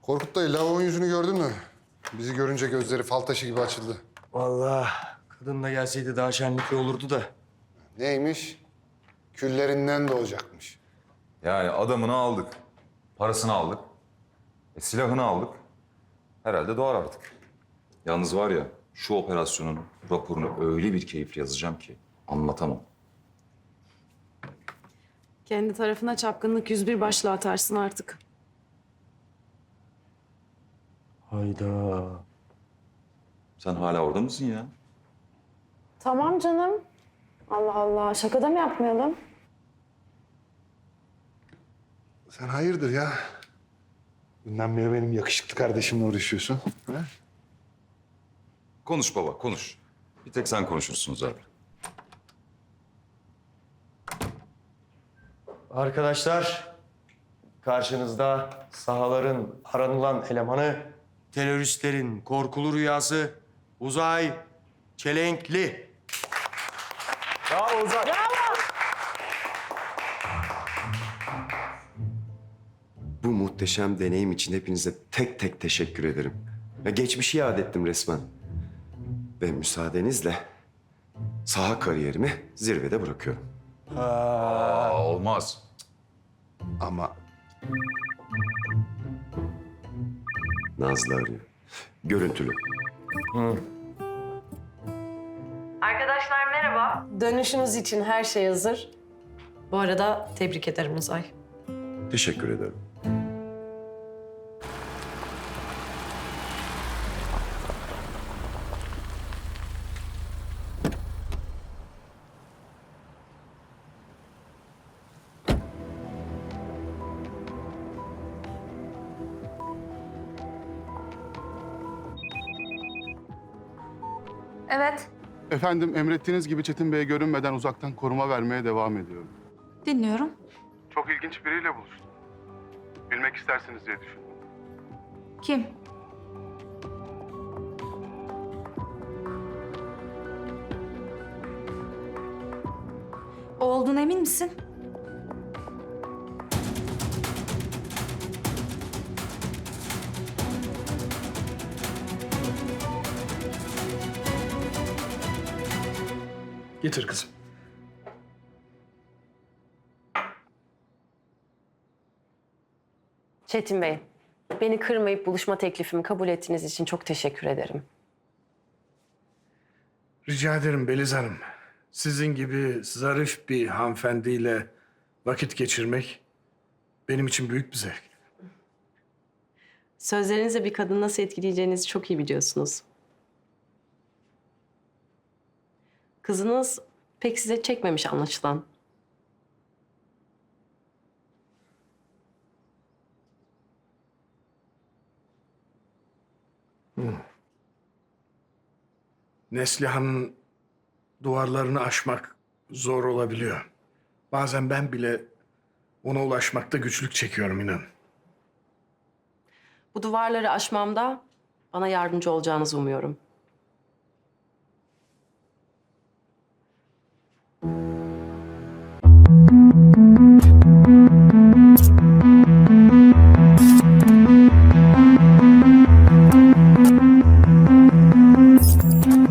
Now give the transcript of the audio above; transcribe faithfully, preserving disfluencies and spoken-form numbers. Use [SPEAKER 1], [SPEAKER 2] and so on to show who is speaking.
[SPEAKER 1] Korkut dayı, lavabonun yüzünü gördün mü? Bizi görünce gözleri fal taşı gibi açıldı.
[SPEAKER 2] Vallahi kadın da gelseydi daha şenlikli olurdu da.
[SPEAKER 1] Neymiş? Küllerinden doğacakmış.
[SPEAKER 3] Yani adamını aldık, parasını aldık, e, silahını aldık. Herhalde doğar artık. Yalnız var ya, şu operasyonun raporunu öyle bir keyifle yazacağım ki anlatamam.
[SPEAKER 4] Kendi tarafına çapkınlık yüz bir başla atarsın artık.
[SPEAKER 2] Hayda.
[SPEAKER 3] Sen hala orada mısın ya?
[SPEAKER 4] Tamam canım. Allah Allah. Şaka da mı yapmayalım?
[SPEAKER 1] Sen hayırdır ya? Dünden beri benim yakışıklı kardeşimle uğraşıyorsun. Ha?
[SPEAKER 3] Konuş baba, konuş. Bir tek sen konuşursun zaten.
[SPEAKER 2] Arkadaşlar, karşınızda sahaların aranılan elemanı, teröristlerin korkulu rüyası Uzay Çelenkli. Bravo Uzay.
[SPEAKER 5] Bu muhteşem deneyim için hepinize tek tek teşekkür ederim. Ya geçmişi yad ettim resmen. Ve müsaadenizle saha kariyerimi zirvede bırakıyorum.
[SPEAKER 3] Aa, olmaz.
[SPEAKER 1] Ama
[SPEAKER 5] Nazlı arıyor. Görüntülü.
[SPEAKER 6] Arkadaşlar merhaba. Dönüşünüz için her şey hazır. Bu arada tebrik ederim Uzay.
[SPEAKER 5] Teşekkür ederim.
[SPEAKER 7] Evet,
[SPEAKER 8] Efendim emrettiğiniz gibi Çetin Bey'e görünmeden uzaktan koruma vermeye devam ediyorum.
[SPEAKER 7] dinliyorum.
[SPEAKER 8] Çok ilginç biriyle buluştum. Bilmek istersiniz diye düşündüm.
[SPEAKER 7] Kim? O olduğuna emin misin?
[SPEAKER 2] Getir kızım.
[SPEAKER 6] Çetin Bey, beni kırmayıp buluşma teklifimi kabul ettiğiniz için çok teşekkür ederim.
[SPEAKER 9] Rica ederim Beliz Hanım. Sizin gibi zarif bir hanımefendiyle vakit geçirmek benim için büyük bir zevk.
[SPEAKER 6] Sözlerinizle bir kadını nasıl etkileyeceğinizi çok iyi biliyorsunuz. Kızınız pek size çekmemiş anlaşılan.
[SPEAKER 9] Neslihan'ın duvarlarını aşmak zor olabiliyor. Bazen ben bile ona ulaşmakta güçlük çekiyorum inan.
[SPEAKER 6] Bu duvarları aşmamda bana yardımcı olacağınızı umuyorum.